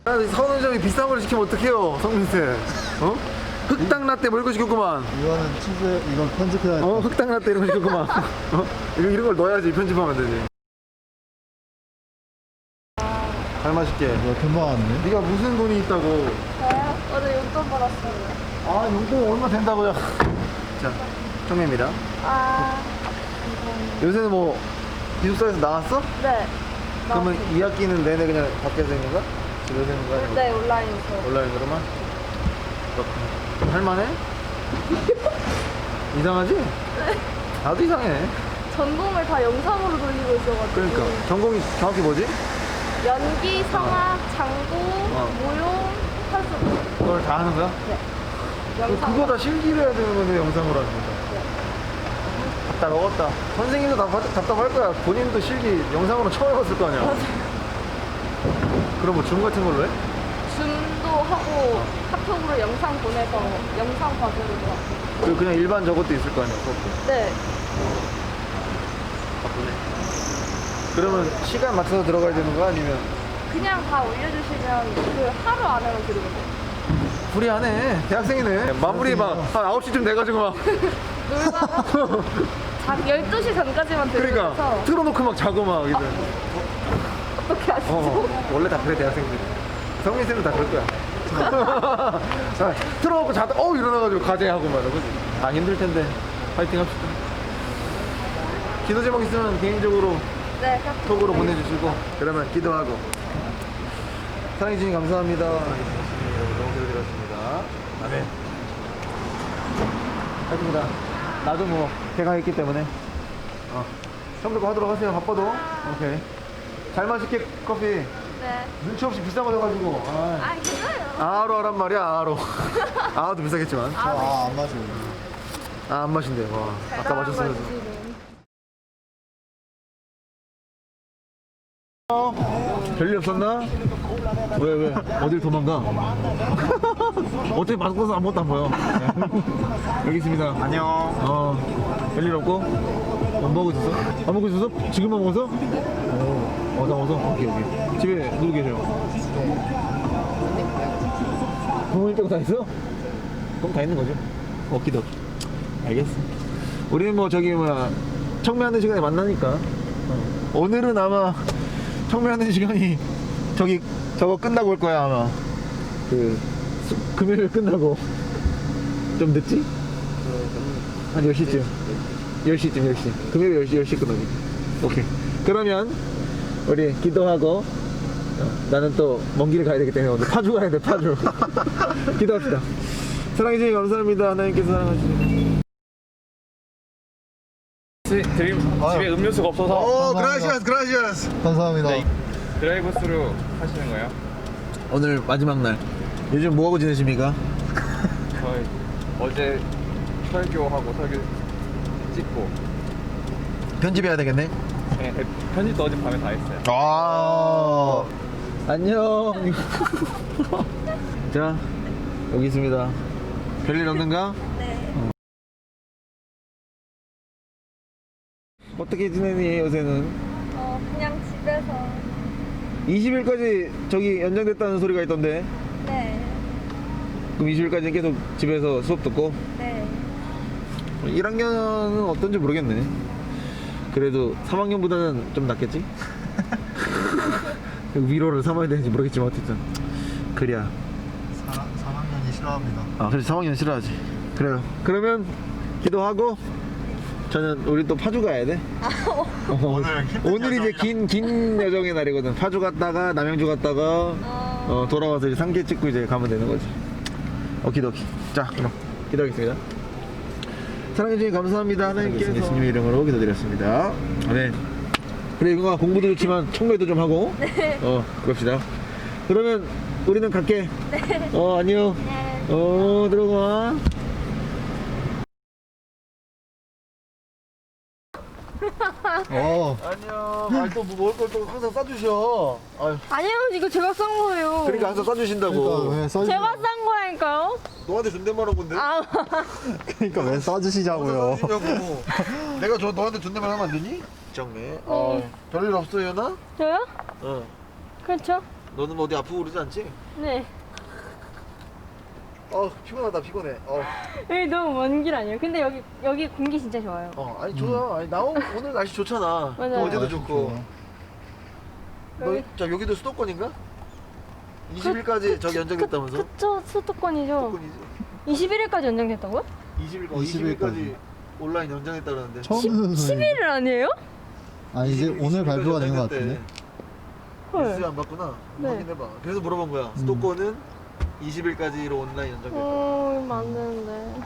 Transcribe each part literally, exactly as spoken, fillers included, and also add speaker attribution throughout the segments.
Speaker 1: 선우정이 비싼 걸 시키면 어떡해요, 성민쌤. 어? 흑당 라떼 뭐 이런 거 시켰구만.
Speaker 2: 이거는 치즈, 이건 편집해야 돼.
Speaker 1: 어? 흑당 라떼 이런 거 시켰구만. 어? 이거, 이런 걸 넣어야지 편집하면 되지. 잘 마실게.
Speaker 2: 이거 금방 왔네.
Speaker 1: 네가 무슨 돈이 있다고.
Speaker 3: 저요? 어제 용돈 받았어요.
Speaker 1: 아, 용돈 얼마 된다고요? 자, 청매입니다.
Speaker 3: 아,
Speaker 1: 요새는 뭐 기숙사에서 나왔어?
Speaker 3: 네.
Speaker 1: 그러면 이 학기는 내내 그냥 밖에서 있는 거야? 집에서 있는 거야?
Speaker 3: 네, 온라인에서.
Speaker 1: 온라인으로만? 그렇구나. 할만해? 이상하지?
Speaker 3: 네.
Speaker 1: 나도 이상해.
Speaker 3: 전공을 다 영상으로 돌리고 있어가지고.
Speaker 1: 그러니까 전공이 정확히 뭐지?
Speaker 3: 연기, 성악, 장구,
Speaker 1: 어.
Speaker 3: 무용, 탈수.
Speaker 1: 그걸 다 하는 거야?
Speaker 3: 네.
Speaker 1: 그- 그거 다 실기를 해야 되는 건데 영상으로 하는 거야. 답답 먹었다. 선생님도 다 바- 답답할 거야. 본인도 실기 영상으로 처음 해봤을 거 아니야. 그럼 뭐 줌 같은 걸로 해?
Speaker 3: 줌도 하고 카톡으로 영상 보내서 영상 과제를 하고.
Speaker 1: 그 그냥 일반 저것도 있을 거 아니야. 그것도.
Speaker 3: 네.
Speaker 1: 바쁘네. 그러면 시간 맞춰서 들어가야 되는 거야? 아니면?
Speaker 3: 그냥 다 올려주시면 그 하루 안에만 들으거든요.
Speaker 1: 불이하네. 대학생이네. 마무리 막 한 아홉 시쯤 돼가지고 막.
Speaker 3: 놀다가 자, 열두 시 전까지만 들으면서.
Speaker 1: 그러니까 틀어놓고 막 자고 막 이제.
Speaker 3: 어떻게 아시죠?
Speaker 1: 어, 원래 다 그래 대학생들이. 성민쌤은 다 그럴 거야. 자, 틀어놓고 자다 어 일어나가지고 과제하고 말이야, 그지? 아 힘들 텐데 파이팅 합시다. 기도 제목 있으면 개인적으로
Speaker 3: 네,
Speaker 1: 톡으로 보내주시고 그러면 기도하고. 사랑해주님 감사합니다. 너무 기도드렸습니다. 아멘. 하여튼다 나도 뭐 배가 있기 때문에 어. 처음부터 하도록 하세요. 바빠도. 오케이. 잘 마실게 커피.
Speaker 3: 네.
Speaker 1: 눈치 없이 비싼 거 사가지고. 아,
Speaker 3: 아, 괜찮아요.
Speaker 1: 아로 하란 말이야. 아로. 아도 비싸겠지만.
Speaker 3: 아, 네.
Speaker 2: 아, 안 마셔.
Speaker 1: 아, 안 마신대. 와. 아까 마셨으면서. 어? 별일 없었나? 왜, 왜? 어딜 도망가? 어차피 마스크 써서 아무것도 안 보여. 여기 있습니다.
Speaker 2: 안녕.
Speaker 1: 어, 별일 없고? 못 먹고 있었어? 안 먹고 있었어? 지금만 먹었어? 어, 어, 나 먹었어? 오케이, 오케이. 집에 누구 계세요? 부모님 빼고 다 있어? 그럼 다 있는 거죠? 오키도키. 알겠어. 우리는 뭐 저기 뭐야 청매하는 시간에 만나니까. 어. 오늘은 아마 청매하는 시간이 저기 저거 끝나고 올 거야 아마. 그 수, 금요일 끝나고 좀 늦지? 한 열 시쯤. 열 시쯤 열 시. 금요일 열 시 열 시 끝나고. 오케이. 그러면 우리 기도하고 어, 나는 또 먼 길 가야 되기 때문에 오늘 파주 가야 돼. 파주. 기도합시다. 사랑해 주님 감사합니다. 하나님께서 사랑하시니.
Speaker 4: 드림 집에 음료수가 없어서
Speaker 1: 오,
Speaker 2: 감사합니다.
Speaker 1: 그라시아스, 그라시아스.
Speaker 2: 감사합니다.
Speaker 4: 네. 드라이브 스루 하시는 거예요?
Speaker 1: 오늘 마지막 날. 요즘 뭐 하고 지내십니까?
Speaker 4: 저희 어제 설교하고 설교 찍고
Speaker 1: 편집해야 되겠네.
Speaker 4: 네, 편집도 어제 밤에 다 했어요.
Speaker 1: 아, 안녕. 자, 여기 있습니다. 별일 없는가?
Speaker 3: 네.
Speaker 1: 어떻게 지내니 요새는?
Speaker 3: 어, 그냥 집에서.
Speaker 1: 이십 일까지 저기 연장됐다는 소리가 있던데.
Speaker 3: 네.
Speaker 1: 그럼 이십 일까지 계속 집에서 수업 듣고?
Speaker 3: 네.
Speaker 1: 일 학년은 어떤지 모르겠네. 그래도 삼 학년보다는 좀 낫겠지? 위로를 삼아야 되는지 모르겠지만 어쨌든 그래야.
Speaker 2: 삼 학년이 싫어합니다.
Speaker 1: 아, 그래서 삼 학년 싫어하지. 그래요. 그러면 기도하고 저는 우리 또 파주 가야 돼. 어,
Speaker 2: 오늘 힘든
Speaker 1: 오늘 이제
Speaker 2: 여정이다.
Speaker 1: 긴 긴 여정의 날이거든. 파주 갔다가 남양주 갔다가
Speaker 3: 어,
Speaker 1: 어, 돌아와서 이제 상계 찍고 이제 가면 되는 거지. 오키도키. 자, 그럼 기도하겠습니다. 사랑해 주님 감사합니다. 하나님께서 예수님의 이름으로 기도드렸습니다. 네. 그래 이거 공부도 좋지만 청매도 좀 하고.
Speaker 3: 네.
Speaker 1: 어, 그럽시다. 그러면 우리는 갈게.
Speaker 3: 네.
Speaker 1: 어, 안녕.
Speaker 3: 네.
Speaker 1: 어, 들어가.
Speaker 2: 어.
Speaker 1: 안녕. 아, 또뭐 먹을 걸 또 항상 싸주셔. 아유,
Speaker 3: 아니요, 이거 제가 싼 거예요.
Speaker 1: 그러니까 항상 싸주신다고.
Speaker 2: 그러니까 왜 써주?
Speaker 3: 제가 싼 거라니까요.
Speaker 1: 너한테 존댓말 한 건데.
Speaker 3: 아,
Speaker 2: 그러니까 왜 써주시자고요.
Speaker 1: 싸주시냐고. 내가 저 너한테 존댓말 하면 안 되니? 정매. 어, 별일 없어요, 나?
Speaker 3: 저요?
Speaker 1: 어.
Speaker 3: 그렇죠.
Speaker 1: 너는 뭐 어디 아프고 그러지 않지?
Speaker 3: 네.
Speaker 1: 어 피곤하다 피곤해. 어,
Speaker 3: 여기 너무 먼 길 아니에요? 근데 여기 여기 공기 진짜 좋아요.
Speaker 1: 어 아니 좋아. 아니 나 오- 오늘 날씨 좋잖아.
Speaker 3: 맞아요.
Speaker 1: 어제도
Speaker 2: 아,
Speaker 1: 좋고.
Speaker 2: 좋구나.
Speaker 1: 너, 자 여기도 수도권인가? 이십 일까지 저기 연장됐다면서?
Speaker 3: 그쵸, 수도권이죠.
Speaker 1: 수도권이지.
Speaker 3: 이십일 일까지 연장됐다고요?
Speaker 1: 이십 일, 어, 이십 일까지 온라인 연장했다 그러는데.
Speaker 2: 처음 듣는
Speaker 3: 십
Speaker 2: 소리.
Speaker 3: 일 아니에요?
Speaker 2: 아 이제 오늘 발표가 된 것 같은데.
Speaker 1: 뉴스
Speaker 3: 헐.
Speaker 1: 안 봤구나.
Speaker 3: 네.
Speaker 1: 확인해봐. 그래서 물어본 거야. 수도권은 이십 일까지로 온라인 연장됐다.
Speaker 3: 어, 이러면 안 되는데.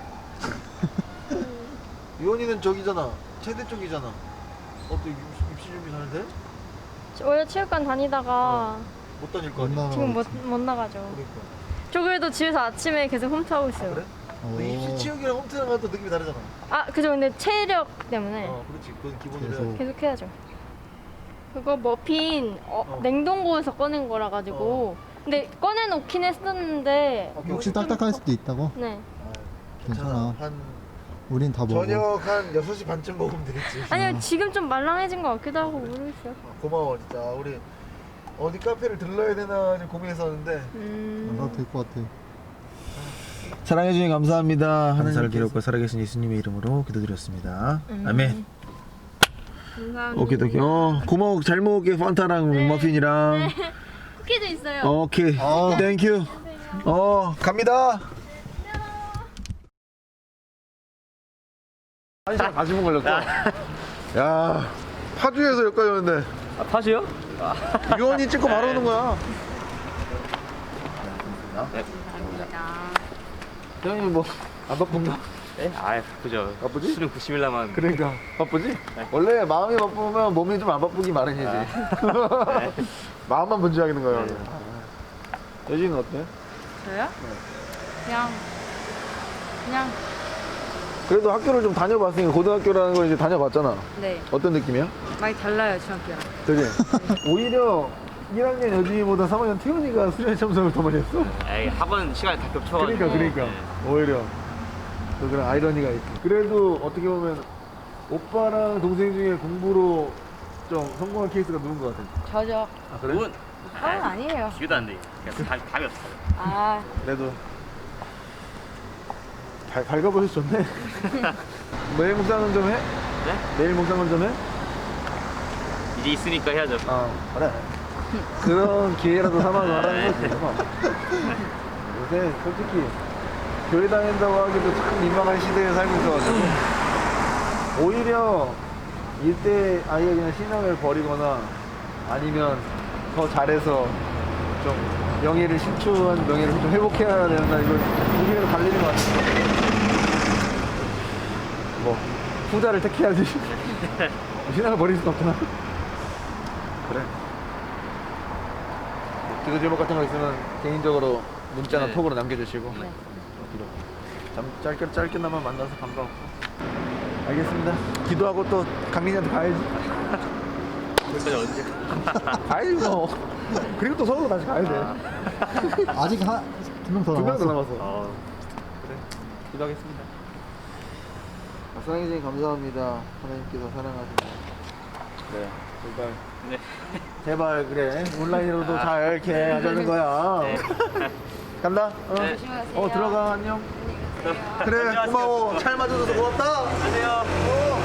Speaker 1: 유원이는 저기잖아. 체대 쪽이잖아. 어떻게 입시, 입시 준비 잘 돼?
Speaker 3: 원래 체육관 다니다가
Speaker 1: 못 다닐 거
Speaker 2: 못
Speaker 1: 아니야.
Speaker 2: 나가.
Speaker 3: 지금 못, 못 나가죠.
Speaker 1: 그러니까.
Speaker 3: 저 그래도 집에서 아침에 계속 홈트하고 있어요.
Speaker 1: 그래?
Speaker 2: 오.
Speaker 1: 근데 입시 체육이랑 홈트랑 또 느낌이 다르잖아.
Speaker 3: 아, 그죠. 근데 체력 때문에
Speaker 1: 어, 그렇지. 그건 기본으로
Speaker 2: 계속.
Speaker 1: 해야지.
Speaker 3: 계속 해야죠. 그거 머핀 어,
Speaker 1: 어.
Speaker 3: 냉동고에서 꺼낸 거라 가지고 근데 꺼내놓긴 했었는데
Speaker 1: 오케이,
Speaker 2: 혹시
Speaker 1: 오케이.
Speaker 2: 딱딱할 수도 있다고?
Speaker 3: 네.
Speaker 1: 아,
Speaker 2: 괜찮아.
Speaker 1: 한
Speaker 2: 우린 다 먹어.
Speaker 1: 저녁 한 여섯 시 반쯤 먹으면 되겠지.
Speaker 3: 아니요, 지금 좀 말랑해진 것 같기도 하고 모르겠어요.
Speaker 1: 어, 고마워 진짜. 우리 어디 카페를 들러야 되나 좀 고민했었는데.
Speaker 3: 음.
Speaker 2: 나도 될 것 같아.
Speaker 1: 사랑해주니 감사합니다. 하늘을
Speaker 2: 하나님께서.
Speaker 1: 기록과 살아계신 예수님의 이름으로 기도드렸습니다.
Speaker 3: 음.
Speaker 1: 아멘.
Speaker 3: 감사합니다.
Speaker 1: 오케이 오케이. 어 고마워. 잘 먹을게. 판타랑
Speaker 3: 네.
Speaker 1: 머핀이랑.
Speaker 3: 네. 쿠키도 있어요.
Speaker 1: 오케이.
Speaker 2: 어.
Speaker 1: 땡큐. 어 갑니다. 한 시간 사십 분 걸렸어. 야 파주에서 여기까지 오는데
Speaker 4: 아, 파주요?
Speaker 1: 유원이 찍고 바로 오는 거야. 형님 뭐안 바쁜가?
Speaker 4: 네? 아 바쁘죠.
Speaker 1: 바쁘지?
Speaker 4: 수능 구십 일 남았는데.
Speaker 1: 그러니까 바쁘지? 원래 마음이 바쁘면 몸이 좀 안 바쁘기 마련이지. 마음만 분주하게 거예요.
Speaker 4: 네.
Speaker 1: 여진은 어때?
Speaker 3: 저요? 그냥 그냥
Speaker 1: 그래도 학교를 좀 다녀봤으니까 고등학교라는 걸 이제 다녀봤잖아.
Speaker 3: 네
Speaker 1: 어떤 느낌이야?
Speaker 3: 많이 달라요 중학교랑.
Speaker 1: 되게 오히려 일 학년 여진이보다 삼 학년 태훈이가 수련 참석을 더 많이 했어.
Speaker 4: 에이, 학원 시간이 다 겹쳐가지고.
Speaker 1: 그러니까 그러니까 오히려 또 그런 아이러니가 있고. 그래도 어떻게 보면 오빠랑 동생 중에 공부로 좀 성공한 케이스가 누군 것 같아?
Speaker 3: 저죠.
Speaker 1: 아 그래?
Speaker 4: 문
Speaker 3: 그건 아니에요.
Speaker 4: 기회도 안 돼. 그냥 답, 답이 없어.
Speaker 3: 아
Speaker 1: 그래도 발, 밝아보셔서 좋네. 내일 묵상은 좀 해?
Speaker 4: 네?
Speaker 1: 내일 묵상은 좀 해?
Speaker 4: 이제 있으니까 해야죠.
Speaker 1: 아 그래. 그런 기회라도 삼아서 하라는 거지. 뭐. 요새 솔직히 교회 다닌다고 하기도 참 민망한 시대에 살고 있어가지고 오히려 이때 아예 그냥 신앙을 버리거나 아니면 더 잘해서 좀 명예를 신추한 명예를 좀 회복해야 된다. 이걸 두 개로 갈리는 것 같아. 뭐 후자를 택해야지. 신앙을 버릴 수는 없구나. 그래. 기도 제목 같은 거 있으면 개인적으로 문자나
Speaker 4: 네.
Speaker 1: 톡으로 남겨주시고.
Speaker 3: 네.
Speaker 1: 기도. 잠 짧게 짧게나마 만나서 반가웠고. 알겠습니다. 기도하고 또 강민이한테 가야지.
Speaker 4: 거기까지 언제?
Speaker 1: 가야지 뭐. 그리고 또 서울로 다시 가야 돼.
Speaker 2: 아직 한 두 명 더
Speaker 1: 두 명 더
Speaker 2: 남았어.
Speaker 1: 남았어.
Speaker 4: 어,
Speaker 1: 그래. 기도하겠습니다. 사랑해주님 감사합니다. 하나님께서 사랑하시고. 그래. 제발.
Speaker 4: 네.
Speaker 1: 제발 그래. 온라인으로도 잘 이렇게 하자는 거야.
Speaker 4: 네.
Speaker 1: 간다. 어.
Speaker 4: 네.
Speaker 3: 조심하세요.
Speaker 1: 어 들어가 안녕. 그래
Speaker 4: 안녕하세요.
Speaker 1: 고마워. 잘 맞아줘서 고맙다.
Speaker 4: 안녕하세요.
Speaker 1: 어.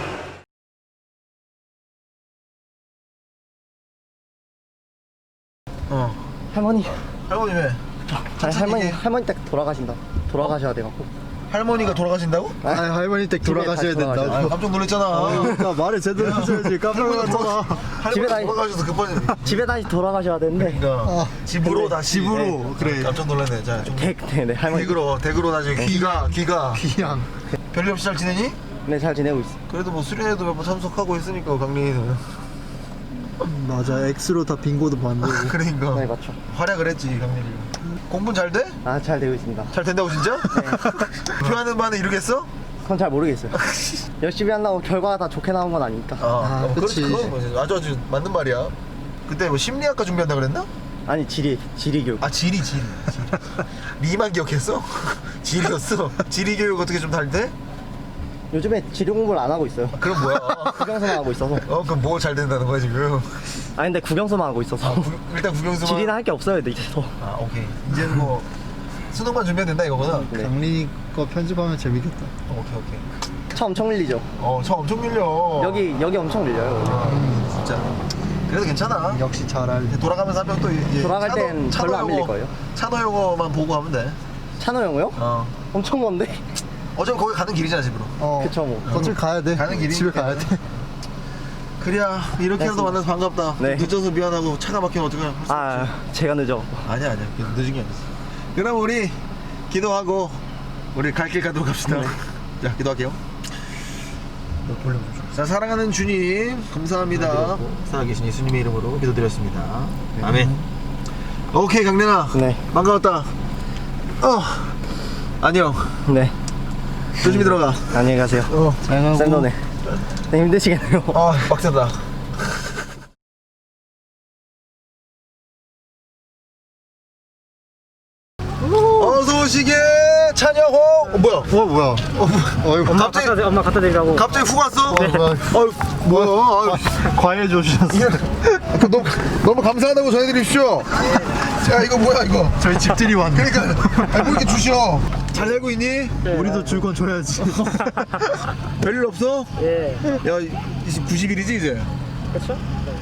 Speaker 1: 어.
Speaker 5: 할머니,
Speaker 1: 할머니 왜?
Speaker 5: 아니, 할머니, 할머니 댁 돌아가신다. 돌아가셔야 돼갖고.
Speaker 1: 할머니가 돌아가신다고?
Speaker 2: 아 할머니 댁 돌아가셔야
Speaker 5: 다시 돌아가셔야
Speaker 1: 아,
Speaker 2: 된다고.
Speaker 1: 깜짝 놀랐잖아.
Speaker 2: 그러니까 말을 제대로 하셔야지. 깜짝 놀랐잖아.
Speaker 5: 집에
Speaker 1: 할머니
Speaker 5: 다니-
Speaker 1: 돌아가셔서 급하니.
Speaker 5: 집에 다시 돌아가셔야 되는데.
Speaker 1: 그러니까
Speaker 2: 아,
Speaker 1: 집으로
Speaker 2: 근데
Speaker 1: 다시.
Speaker 2: 집으로,
Speaker 1: 네.
Speaker 2: 그래.
Speaker 1: 깜짝 놀랐네. 자, 좀
Speaker 5: 댁, 네, 네, 할머니.
Speaker 1: 댁으로 댁으로 다시 귀가 귀가
Speaker 2: 그냥.
Speaker 1: 별일 없이 잘 지내니?
Speaker 5: 네, 잘 지내고 있어.
Speaker 1: 그래도 뭐 수련회도 몇 번 참석하고 했으니까 강민이는.
Speaker 2: 맞아. X로 다 빙고도 만들고.
Speaker 1: 그러니까
Speaker 5: 네, 맞죠.
Speaker 1: 활약을 했지 강민이. 공부는 잘 돼?
Speaker 5: 아, 잘 되고 있습니다.
Speaker 1: 잘 된다고 진짜? 표하는 바는 이루겠어?
Speaker 5: 그건 잘 모르겠어요. 열심히 한다고 결과가 다 좋게 나온 건 아니니까.
Speaker 1: 아, 어,
Speaker 2: 그치.
Speaker 1: 그렇지. 그건 뭐지. 아주 아주 맞는 말이야. 그때 뭐 심리학과 준비한다 그랬나?
Speaker 5: 아니, 지리, 지리 교육.
Speaker 1: 아 지리 지리. 지리. 리만 기억했어? 지리였어. 지리 교육 어떻게 좀 잘 돼?
Speaker 5: 요즘에 지리 공부를 안 하고 있어요.
Speaker 1: 그럼 뭐야?
Speaker 5: 국영수만 하고 있어서.
Speaker 1: 어 그럼 뭐 잘 된다는 거야 지금?
Speaker 5: 아 근데 국영수만 하고 있어서.
Speaker 1: 구, 일단 국영수만.
Speaker 5: 지리는 할 게 없어요, 이제 더.
Speaker 1: 아 오케이. 이제 뭐 수능만 준비하면 된다 이거구나.
Speaker 5: 네.
Speaker 2: 강린이 거 편집하면 재밌겠다.
Speaker 1: 어, 오케이 오케이.
Speaker 5: 차 엄청 밀리죠.
Speaker 1: 어, 차 엄청 밀려.
Speaker 5: 여기 여기 엄청 밀려요.
Speaker 1: 아, 진짜. 그래도 괜찮아.
Speaker 2: 역시 잘 알네.
Speaker 1: 돌아가면서 한 명 또 이제
Speaker 5: 돌아갈 땐 별로 안 밀릴 거예요.
Speaker 1: 차도 요거만 보고 하면 돼.
Speaker 5: 찬호 형이요?
Speaker 1: 어.
Speaker 5: 엄청 먼데.
Speaker 1: 어차피 거기 가는 길이잖아 집으로.
Speaker 2: 어.
Speaker 5: 그쵸 뭐.
Speaker 2: 어차피 가야 돼.
Speaker 1: 가는 길이니까.
Speaker 2: 집에 가야 돼.
Speaker 1: 그래야 이렇게라도 만나서 반갑다.
Speaker 5: 네.
Speaker 1: 늦어서 미안하고 차가 막히면 어떡해.
Speaker 5: 아 제가 늦어.
Speaker 1: 아니야 아니야 늦은 게 아니었어. 그럼 우리 기도하고 우리 갈 길 가도록 합시다. 자 기도할게요. 자 사랑하는 주님 감사합니다. 살아계신 예수님의 이름으로 기도드렸습니다. 아멘. 오케이 강렬아.
Speaker 5: 네.
Speaker 1: 반가웠다. 어 안녕.
Speaker 5: 네.
Speaker 1: 조심히 들어가.
Speaker 5: 안녕히 가세요.
Speaker 2: 어, 잘 가고.
Speaker 5: 샌더네. 네, 힘드시겠네요.
Speaker 1: 아 빡세다. 어서 오시게 찬영호. 어, 뭐야?
Speaker 2: 어, 뭐야? 어, 어이구.
Speaker 1: 엄마 갑자기
Speaker 6: 갖다, 엄마 갖다 드리라고.
Speaker 1: 갑자기 훅 왔어?
Speaker 2: 네.
Speaker 1: 어휴 뭐야? 아유.
Speaker 2: 과일 줘주셨어.
Speaker 1: 그 너무, 너무 감사하다고 전해드립시오. 자 이거 뭐야 이거?
Speaker 2: 저희 집들이 왔네.
Speaker 1: 그러니까 아니, 뭐 이렇게 주셔. 잘 살고 있니?
Speaker 2: 우리도 줄 건 줘야지.
Speaker 1: 별일 없어?
Speaker 6: 예.
Speaker 1: 야 이제 구십 일이지 이제.
Speaker 6: 그쵸?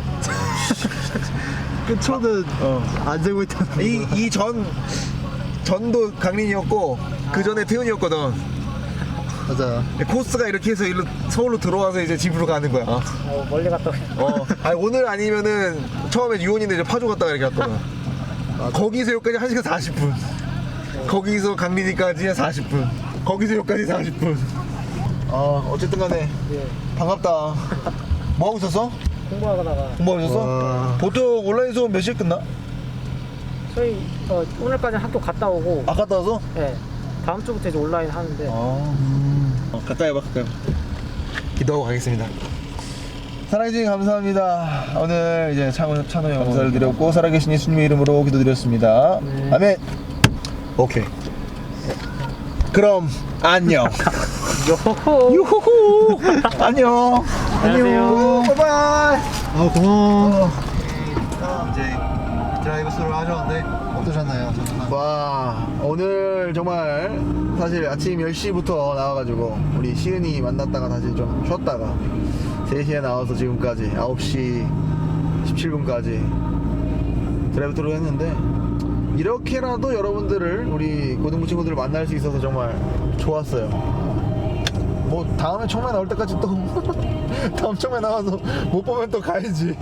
Speaker 2: 끝초는
Speaker 1: 어.
Speaker 2: 안 재고 있다는
Speaker 1: 이 이 전 전도 강린이었고 그 전에 태훈이었거든.
Speaker 2: 맞아.
Speaker 1: 코스가 이렇게 해서 일로 서울로 들어와서 이제 집으로 가는 거야. 어.
Speaker 6: 어, 멀리 갔다 오네.
Speaker 1: 어. 아니 오늘 아니면은 처음에 유원인데 이제 파주 갔다가 이렇게 갔거든. 거기서 여기까지 한 시간 사십 분. 거기서 강린이까지 사십 분. 거기서 여기까지 사십 분. 아 어쨌든 간에
Speaker 6: 예.
Speaker 1: 반갑다. 뭐 하고 있었어?
Speaker 6: 공부하다가
Speaker 1: 공부하고 있었어?
Speaker 2: 와.
Speaker 1: 보통 온라인 수업 몇 시에 끝나?
Speaker 6: 저희 어, 오늘까지 학교 갔다 오고
Speaker 1: 아 갔다 와서?
Speaker 6: 예. 다음 주부터 이제 온라인 하는데
Speaker 1: 어. 어 갔다 해봐 갔다 해봐. 기도하고 가겠습니다. 사랑해주님 감사합니다. 오늘 이제 찬호, 찬호 형 감사를 드렸고 살아계신 예수님의 이름으로 기도드렸습니다.
Speaker 6: 네.
Speaker 1: 아멘. 오케이. 그럼 안녕.
Speaker 6: 요호호.
Speaker 1: 유후후. 안녕.
Speaker 6: 안녕하세요.
Speaker 1: 바이바이.
Speaker 2: 아, 고마워. 이제 드라이브 스루를 하셨는데 어떠셨나요?
Speaker 1: 와 오늘 정말 사실 아침 열 시부터 나와가지고 우리 시은이 만났다가 다시 좀 쉬었다가 세 시에 나와서 지금까지 아홉 시 십칠 분까지 드라이브 트루 했는데 이렇게라도 여러분들을 우리 고등부 친구들을 만날 수 있어서 정말 좋았어요. 뭐 다음에 청매 나올 때까지 또 다음 청매 나와서 못 보면 또 가야지.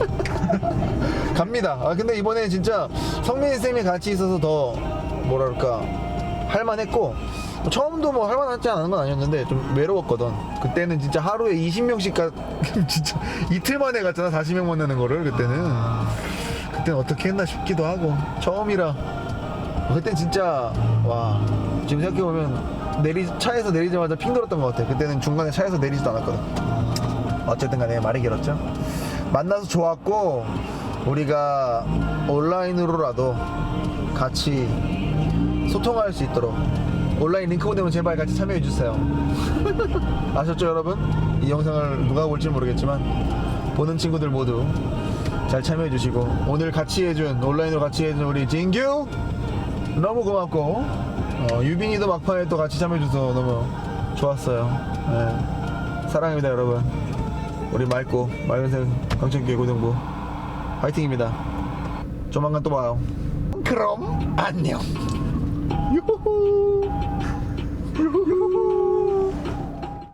Speaker 1: 갑니다. 아 근데 이번에 진짜 성민 쌤이 같이 있어서 더 뭐랄까 할만했고 처음도 뭐 할만하지 않은 건 아니었는데 좀 외로웠거든. 그때는 진짜 하루에 이십 명씩 가 진짜 이틀 만에 갔잖아. 사십 명 만나는 거를 그때는. 그때는 어떻게 했나 싶기도 하고 처음이라 그땐 진짜 와 지금 생각해보면 내리 차에서 내리자마자 핑 돌았던 것 같아. 그때는 중간에 차에서 내리지도 않았거든. 어쨌든 간에 말이 길었죠. 만나서 좋았고 우리가 온라인으로라도 같이 소통할 수 있도록 온라인 링크 보내면 제발 같이 참여해 주세요. 아셨죠 여러분? 이 영상을 누가 볼지 모르겠지만 보는 친구들 모두 잘 참여해 주시고 오늘 같이 해준 온라인으로 같이 해준 우리 진규 너무 고맙고 어, 유빈이도 막판에 또 같이 참여해 줘서 너무 좋았어요. 네. 사랑합니다 여러분. 우리 맑고 맑은색 강천교회 고등부 화이팅입니다. 조만간 또 봐요. 그럼 안녕. 유후.